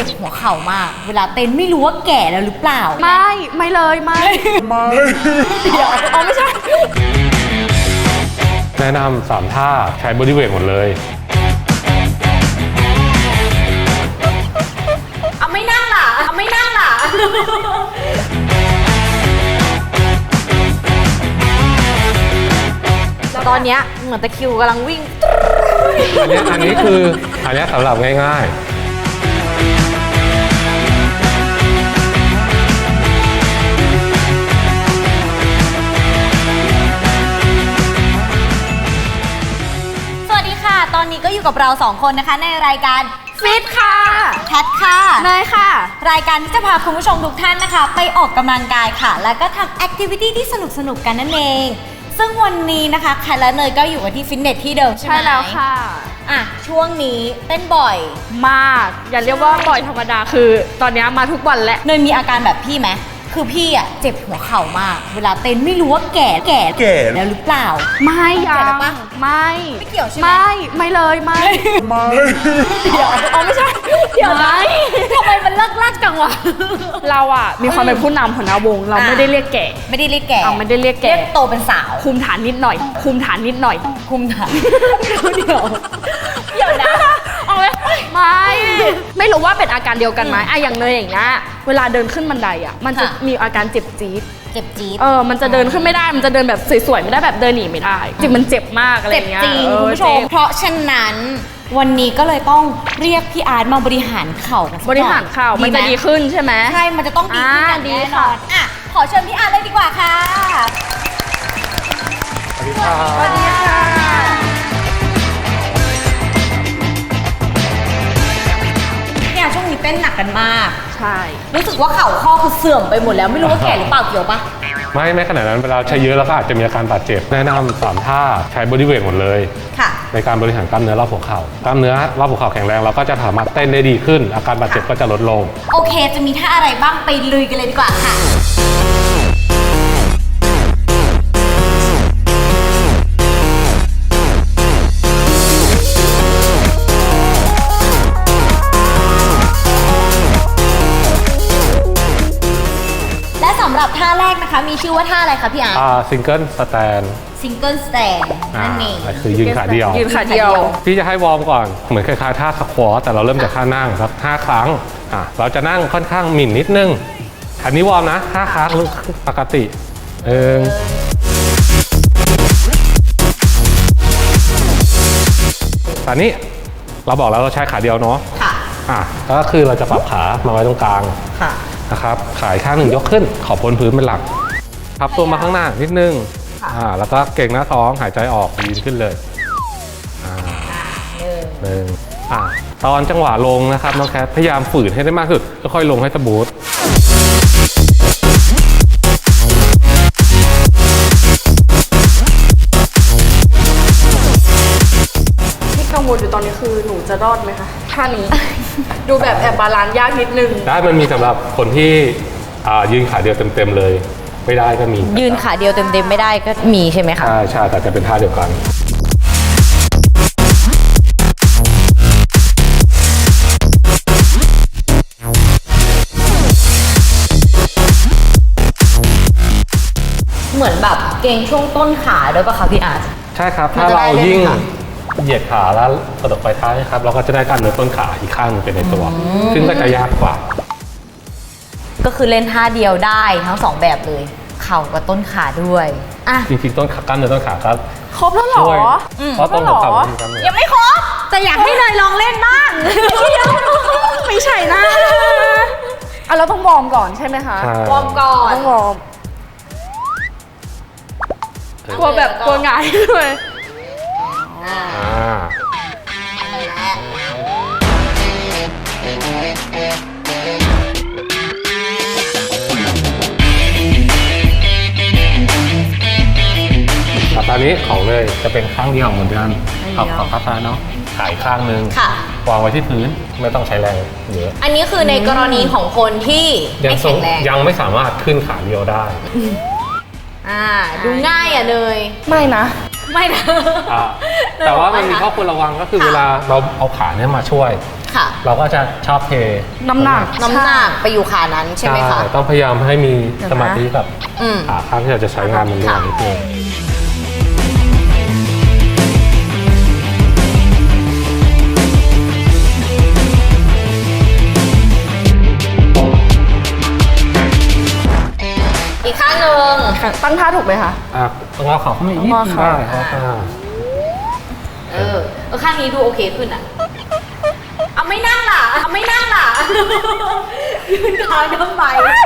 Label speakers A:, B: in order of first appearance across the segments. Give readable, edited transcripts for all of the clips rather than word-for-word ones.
A: จ็บหัวเข่ามากเวลาเต้นไม่รู้ว่าแก่แล้วหรือเปล่า
B: ไม่เลยไม่เดี๋ยวไม่ใช่
C: แนะนำ3ท่าใช้บอดี้เวทหมดเลย
A: เอาไม่นั่งล่ะตอนเนี้ยเหมือนตะคิวกำลังวิ่ง
C: อันนี้สำหรับง่าย
A: ตอนนี้ก็อยู่กับเรา2คนนะคะในรายการ
B: ฟิตค่ะ
A: แคทค่ะ
B: เนยค่ะ
A: รายการที่จะพาคุณผู้ชมทุกท่านนะคะไปออกกำลังกายค่ะแล้วก็ทำแอคทิวิตี้ที่สนุกกันนั่นเองซึ่งวันนี้นะคะแคทและเนยก็อยู่กันที่ฟิตเนสที่เดิมใช่ไหม
B: ใช่แล้วค่ะ
A: ช่วงนี้เต้นบ่อย
B: มากอย่าเรียกว่าบ่อยธรรมดาคือตอนนี้มาทุกวันแหละ
A: เนยมีอาการแบบพี่ไหมคือพี่เจ็บหัวเข่ามากเวลาเต้นไม่รู้ว่าแก่แล้วหรือเปล่า
B: ไม่ยัง
A: ไม่เกี่ยวใช่ไหม
B: ไม่เลยไม่เดี๋ยวไม่ใช่เดี๋ยวนะ
A: ทำไมมันลักจังวะ
B: เรามีความเป็นผู้นำหัวหน้าวงเราไม่ได้เรียกแก่
A: ไม่ได้เรียกแก่
B: ไม่ได้เรียกแก่
A: เรียกโตเป็นสาว
B: คุมฐานนิดหน่อยคุมฐาน
A: เดี๋ยวนะ
B: ไม่รู้ว่าเป็นอาการเดียวกันไหมอย่างเนยอย่างเงี้ยเวลาเดินขึ้นบันไดมันจะมีอาการเจ็บจี๊ดมันจะเดินขึ้นไม่ได้มันจะเดินแบบสวยๆไม่ได้แบบเดินหนีไม่ได้จริงมันเจ็บมากอะไรเงี้ย
A: เจ็บจริงคุณผู้ชมเพราะฉะนั้นวันนี้ก็เลยต้องเรียกพี่อาร์ตมาบริหารเข่า
B: บริหารเข่ามันจะดีขึ้นใช่ไหม
A: ใช่มันจะต้องดีขึ้นอย่างแน่นอนขอเชิญพี่อาร์ตเลยดีกว่าค่ะ
C: สวัสดีค่ะ
A: ช่วงนี้เต้นหนักกันมาก
B: ใช่
A: รู้สึกว่าเข่าข้อคือเสื่อมไปหมดแล้วไม่รู้ว่าแก่หรือเปล่าเกี่ยวปะ
C: ไม่ขนาดนั้นเวลาใช้เยอะแล้วก็อาจจะมีอาการบาดเจ็บแนะนำ3ท่าใช้บอดี้เวทหมดเลยในการบริหารกล้ามเนื้อรอบหัวเข่ากล้ามเนื้อรอบหัวเข่าแข็งแรงเราก็จะสามารถเต้นได้ดีขึ้นอาการบาดเจ็บก็จะลดลง
A: โอเคจะมีท่าอะไรบ้างไปลุยกันเลยดีกว่าค่ะสำหรับท่าแรกนะคะมีชื่อว่าท่าอะไรคะพี่อาร์ต
C: ซิงเกิลสแตน
A: นั่นเอง
C: คือยืนขาเดียวพี่จะให้วอร์มก่อนเหมือนคล้ายๆท่าสควอตแต่เราเริ่มจากท่านั่งครับ5 ครั้งเราจะนั่งค่อนข้างหมิ่นนิดนึงอันนี้วอร์มนะ5 ครั้งปกติตอนนี้เราบอกแล้วเราใช้ขาเดียวเนาะก็คือเราจะปรับขามาไว้ตรงกลางนะครับขาข้างหนึ่งยกขึ้นขอบพ้นพื้นเป็นหลักพับตัวมาข้างหน้านิดนึงแล้วก็เก่งหน้าท้องหายใจออกยืนขึ้นเลยตอนจังหวะลงนะครับน้องแคทพยายามฝืนให้ได้มากที่สุดค่อยๆลงให้สมูท
B: ที่กังวลอยู่ตอนนี้คือหนูจะรอดไหมคะท่านี้ดูแบบแอบบาลานซ์ยากนิดนึง
C: ได้มันมีสำหรับคนที่ยืนขาเดียวเต็มๆเลยไม่ได้ก็มี
A: ยืนขาเดียวเต็มๆไม่ได้ก็มีใช่ไหมคะ
C: ใช่แต่จะเป็นท่าเดียวกัน
A: เหมือนแบบเกรงช่วงต้นขาด้วยป่ะคะพี่อาร์ต
C: ใช่ครับถ้าเรายิ่งเหยียดขาแล้วกระดกไปท้ายครับเราก็จะได้กล้ามเนื้อต้นขาอีกข้างนึงเป็นในตัวซึ่งก็จะยากกว่า
A: ก็คือเล่นท่าเดียวได้ทั้ง2แบบเลยเข่ากับต้นขาด้วย
C: จริงๆต้นขากล้ามเนื้อต้นขาครับ
B: ครบแล้วหรอ
C: เพราะต้นหัวเข่า
A: ยังไม่ครบจะอยากให้เนยลองเล่นบ้าง
B: ไม่ใช่นะเราต้องวอร์มก่อนใช่ไหมคะ
A: วอร์มก่อน
B: ต้องวอร์มกลัวแบบกลัวหงายด้วย
C: ตอนนี้ของเลยจะเป็นข้างเดียวเหมือนกันขอบข้างซ้ายเนาะขายข้างนึงวางไว้ที่พื้นไม่ต้องใช้แรงเยอะ
A: อันนี้คือในกรณีของคนที่ไม่แข็งแรง
C: ยังไม่สามารถขึ้นขาเดียวได้
A: ดูง่ายเนย
B: ไม่นะ
A: ไม่นะ
C: แต่ว่ามันมีข้อควรระวังก็คือเวลาเราเอาขาเนี่ยมาช่วย
A: ค่ะ
C: เราก็จะชอบเท
B: น้ำหนัก
A: น้ำหนักไปอยู่ขานั้นใช่ไหมคะ
C: ต้องพยายามให้มีสมาธิกับ
A: อืม
C: ขาข้างที่เราจะใช้งานมันด้วยนิดนึง
A: อีกข้างหนึ่ง
B: ตั้งท่าถูกไหมคะ
C: งอเข่าขึ้นมาอีกนิดนึง
B: งอเข่า
C: ได้ครับ
A: ข้างนี้ดูโอเคขึ้นอ่ะ เอาไม่นั่งล่ะ เอาไม่นั่งล่ะ ยืนเท้าทำไม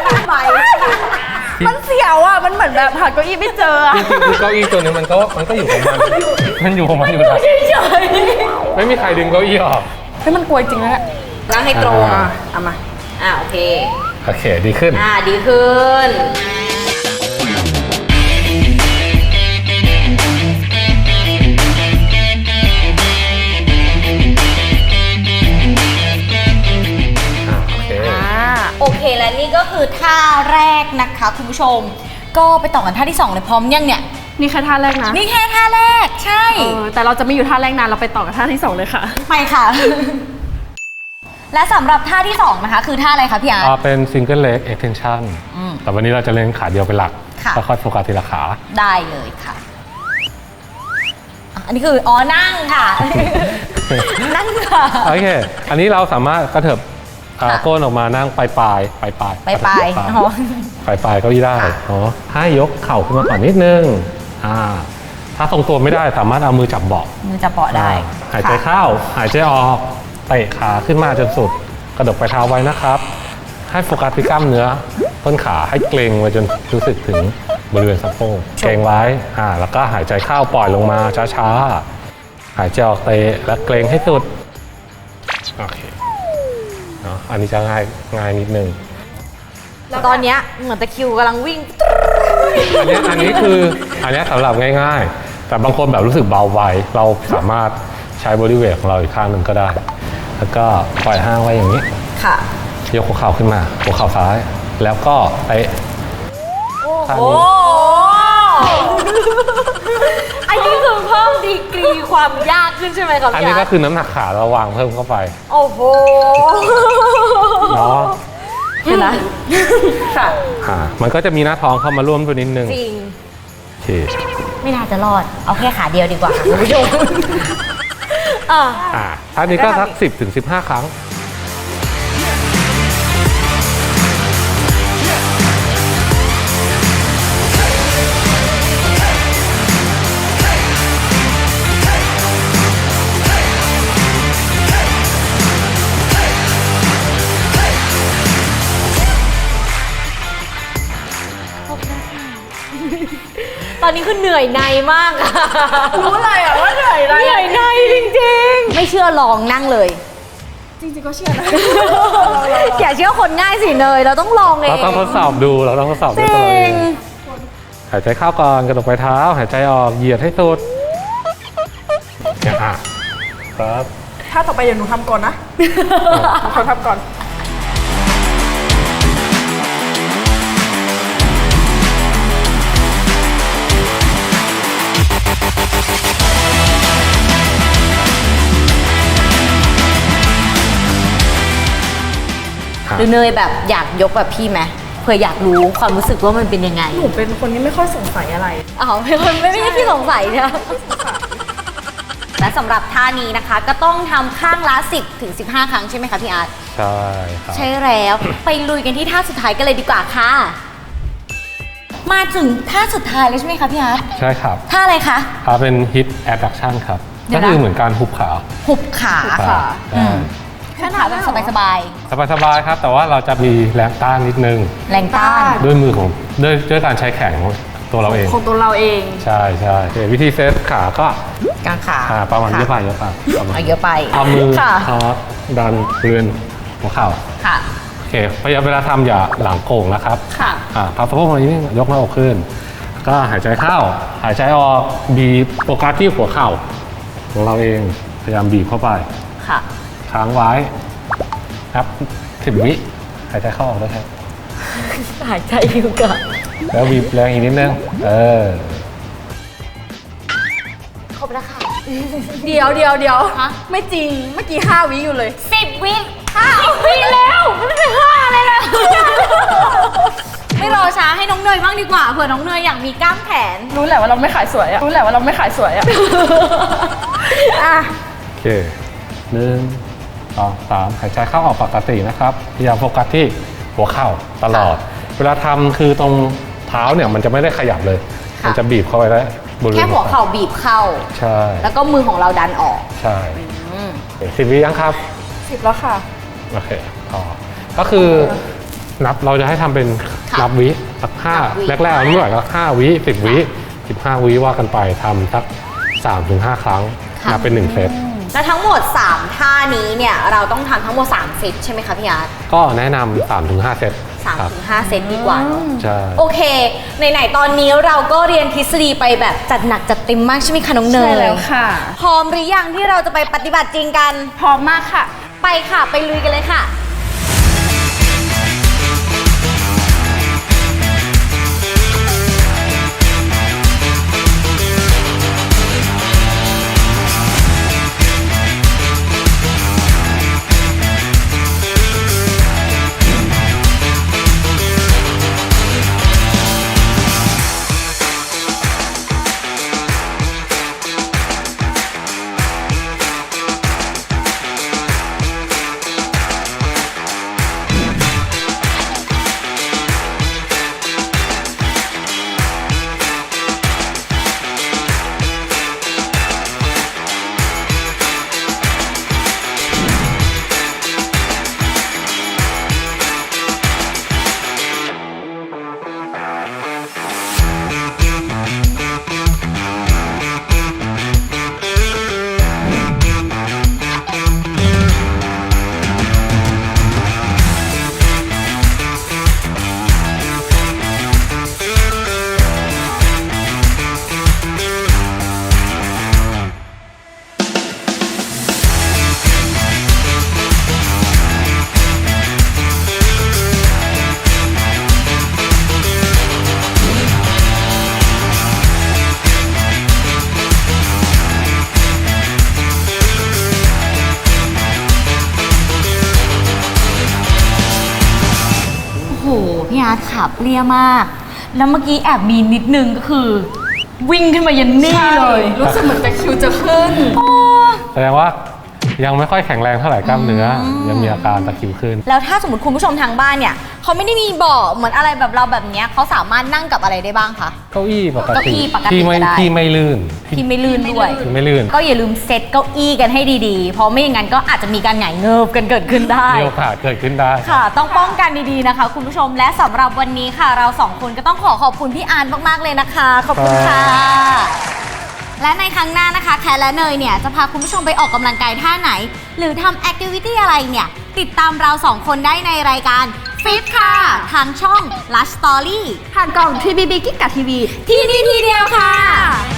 B: มันเสียวอ่ะ มันเหมือนแบบหาเก้าอี้ไม่เจออะ
C: จริงๆคือเก้าอี้ตัวนี้มันก็อยู่ของมันมันอยู่ของมันอยู่แล้ว
A: เฉย
C: ไม่มีใครดึงเก้าอี้ออก
B: เฮ้ยมันกลัวจริงนะเนี่ย
A: นั่งให้ตรง
B: เอามา
A: โอเค
C: โอเคดีขึ้น
A: ดีขึ้น
C: โอเค
A: โอเคและนี่ก็คือท่าแรกนะคะคุณผู้ชม ก็ไปต่อกันท่าที่2เลยพร้อมยังเนี่ย
B: นี่แค่ท่าแรกนะ
A: นี่แค่ท่าแรกใช่
B: แต่เราจะไม่อยู่ท่าแรกนานเราไปต่อกับท่าที่2เลยค่ะ
A: ไปค่ะ และสำหรับท่าที่2นะคะคือท่าอะไรคะพี่อาร์ต
C: เป็น single leg extension แต่วันนี้เราจะเล่นขาเดียวเป็นหลัก
A: ค่ะ
C: แล้วค่อยโฟกัสทีละขา
A: ได้เลยค่ะอันนี้คือนั่งค่ะ นั่งค่ะ
C: โอเค อันนี้เราสามารถกระเถิบ
A: ค่ะ
C: ก้นออกมานั่งปลาย
A: ไป
C: กระ
A: ไป
C: เถิบ
A: อ๋อ
C: ปลายเก้าอี้ได้ให้ยกเข่าขึ้นมาก่อนนิดนึงถ้าทรงตัวไม่ได้สามารถเอามือจับเบาะ
A: มือจะเปาะได้
C: หายใจเข้า หายใจออกเตะขาขึ้นมาจนสุด กระดกปลายเท้าไว้นะครับ ให้โฟกัสที่กล้ามเนื้อต้นขาให้เกร็งไว้จนรู้สึกถึงบริเวณสะโพกเกร็งไว้แล้วก็หายใจเข้าปล่อยลงมาช้าๆหายใจออกเตะและเกร็งให้สุดโอเคอันนี้จะง่ายนิดนึง
A: ตอนเนี้ยเหมือนตะคริวกำลังวิ่ง
C: อันนี้สำหรับง่ายๆ แต่บางคนแบบรู้สึกเบาไวเราสามารถใช้บริเวณของเราอีกข้างหนึ่งก็ได้ แล้วก็ปล่อยห้างไว้อย่างนี้
A: ค่ะ
C: ยกหัวเข่าขึ้นมาหัวเข่าซ้าย แล้วก็เตะข้าง
A: โอ้
C: นี้
A: อันนี้คือเพิ่มดีกรีความยากขึ้นใช่ไหมครับ
C: อัน
A: พี่
C: นี้
A: อา
C: ก็
A: ร์ต
C: คือน้ำหนักขาเราวางเพิ่มเข้าไป
A: โอ้โห
C: เนาะ
B: เห็นนะค่ะ
C: มันก็จะมีหน้าท้องเข้ามาร่วมด้วยนิดนึง
A: จริง
C: โอเค
A: ไม่น่าจะรอด เอาแค่ขาเดียวดีกว่าค่ะคุณผู้ชม
C: ท่านี้ก็สัก10-15 ครั้ง
A: ตอนนี้คือเหนื่อยในมากอะ
B: รู้เลยอ่ะว่าเหนื่อยอะไร
A: เหนื่อยในจริงๆ ไม่เชื่อลองนั่งเลย
B: จริงๆก็เชื่อนะ
A: อย่าเชื่อคนง่ายสิเนยเราต้องลองเอง
C: เราต้องทดสอบดูด้วยตัวเราเองหายใจเข้าก่อนกระดกปลายเท้า หายใจออกเหยียดให้สุดเนี่ยครับ
B: ถ้าต่อไปเดี๋ยวหนูทำก่อนนะเขาทำก่อน
A: หรือเนยแบบอยากยกแบบพี่ไหมเผื่ออยากรู้ความรู้สึกว่ามันเป็นยังไง
B: หนูเป็นคนที่ไม่ค่อยสงสัยอะไร
A: เป็นคนไม่ได้ที่สงสัยนะและสำหรับท่านี้นะคะก็ต้องทำข้างละ10-15 ครั้งใช่ไหมคะพี่อาร์ต
C: ใช่ครับ
A: ใช่แล้ว ไปลุยกันที่ท่าสุดท้ายกันเลยดีกว่าค่ะ มาถึงท่าสุดท้ายแล้วใช่ไหมคะพี่อาร์ต
C: ใช่ครับ
A: ท่าอะไรคะ
C: เป็น hip abduction ครับ
A: เดี๋
C: ก็
A: ยวนะ
C: คือเหมือนการหุบขา
A: หุบขา
C: ครับ
A: แค่ขาแบบสบาย
C: สบายๆครับ แต่ว่าเราจะมีแรงต้านนิดนึง
A: ๆ แรงต้าน
C: ด้วยมือของด้วยการใช้แขนของตัวเราเอง
B: ของตัวเราเอง
C: ใช่วิธีเซตขาก็
A: กลางขา
C: ประมาณเยอะไป
A: เอาเยอะไป
C: เอามือ
A: ค่ะ
C: ดันบริเวณหัวเข่า
A: ค่ะ
C: โอเคพยายามเวลาทำอย่าหลังโก่งนะครับ
B: ค่ะ
C: พับสะโพกมานิดนึงยกหน้าอกขึ้น ก็หายใจเข้า หายใจออกบีบโฟกัสที่หัวเข่าของเราเองพยายามบีบเข้าไป
A: ค่ะ
C: ค้างไว้ครับ10 วิหายใจเข้าออกด้วยครับ
A: หายใจอยู่ก่อน
C: แล้วบีบแรงอีกนิดนึง
B: เดี๋ยว
A: ฮะ
B: ไม่จริงเมื่อกี้5 วิอยู่เลย
A: 10 วิ5 วิแล้วไม่เป็น5เลยนะไม่รอช้าให้น้องเนยบ้างดีกว่าเผื่อน้องเนยอยากมีกล้ามแขน
B: รู้แหละว่าเราไม่ขายสวยอะอ่ะ
C: โอเค1 2 3หายใจเข้าออกปกตินะครับพยายามโฟกัสที่หัวเข่าตลอด เวลาทำคือตรงเท้าเนี่ยมันจะไม่ได้ขยับเลย มันจะบีบเข้าไปแล้วบริเวณ
A: แค่หัวเข่าบีบเข้า
C: ใช่
A: แล้วก็มือของเราดันออก
C: ใช่10 วิยังครับ
B: 10 แล้วค่ะ
C: โอเคต่อก็คือนับเราจะให้ทำเป็น
A: ค่ะ
C: นับวิสัก
A: นับวิ
C: 5แรกๆไม่ไหวก็5 วิ10 วิ15 วิว่ากันไปทำสัก 3-5 ครั้งนับเป็น1เซต
A: และทั้งหมด 3 ท่านี้เนี่ยเราต้องทำทั้งหมด3เซตใช่ไหมคะพี่อาร์ต
C: ก็แนะนำ 3-5 เซตครับ
A: 3-5 เซตดีกว่าเนอะ
C: ใช่
A: โอเคไหนๆตอนนี้เราก็เรียนทฤษฎีไปแบบจัดหนักจัดเต็มมากใช่ไหมคะน้องเนย
B: ใช่แล้วค่ะ
A: พร้อมหรือยังที่เราจะไปปฏิบัติจริงกัน
B: พร้อมมากค่ะ
A: ไปค่ะไปลุยกันเลยค่ะ โอ้โหพี่อาร์ตขาเปรี้ยมาก แล้วเมื่อกี้แอบมีนิดนึงก็คือ วิ่งขึ้นมายันนี่เลย
B: รู้สึกเหมือนตะคริวจะขึ้น
C: แสดงว่ายังไม่ค่อยแข็งแรงเท่าไหร่กล้ามเนื้อยังมีอาการตะคริวขึ้น
A: แล้วถ้าสมมติคุณผู้ชมทางบ้านเนี่ยเขาไม่ได้มีเบาะเหมือนอะไรแบบเราแบบเนี้ยเขาสามารถนั่งกับอะไรได้บ้างคะ
C: เก้าอี้ปก
A: เก้า
C: ติ
A: อี้ปกติ
C: ที่ไม่
A: ก็ได้
C: ที่ไม่ลื่น
A: ที่ไม่ลื่นด้วย
C: ที่ไม่ลื่น
A: ก็อย่าลืมเซตเก้าอี้กันให้ดีๆ เพราะไม่อย่างนั้นก็อาจจะมีการหงายเงิบกันเกิดขึ้นได้
C: มีโอกาสเกิดขึ้นได้
A: ค่ะ ต้องป้องกันดีๆนะคะคุณผู้ชมและสำหรับวันนี้ค่ะ เราสองคนก็ต้องขอบคุณพี่อาร์ตมากๆเลยนะคะ ขอบคุณค่ะ และในครั้งหน้านะคะแคทและเนยเนี่ยจะพาคุณผู้ชมไปออกกำลังกายท่าไหน หรือทำแอคทิวิตี้อะไรเนี่ยติดตามเราสองคนได้ในรายการฟิตค่ะ ทางช่อง Lush Story
B: ผ่านกล่อง TBB กิ๊กกับทีวี
A: ที่นี่ทีเดียวค่ะ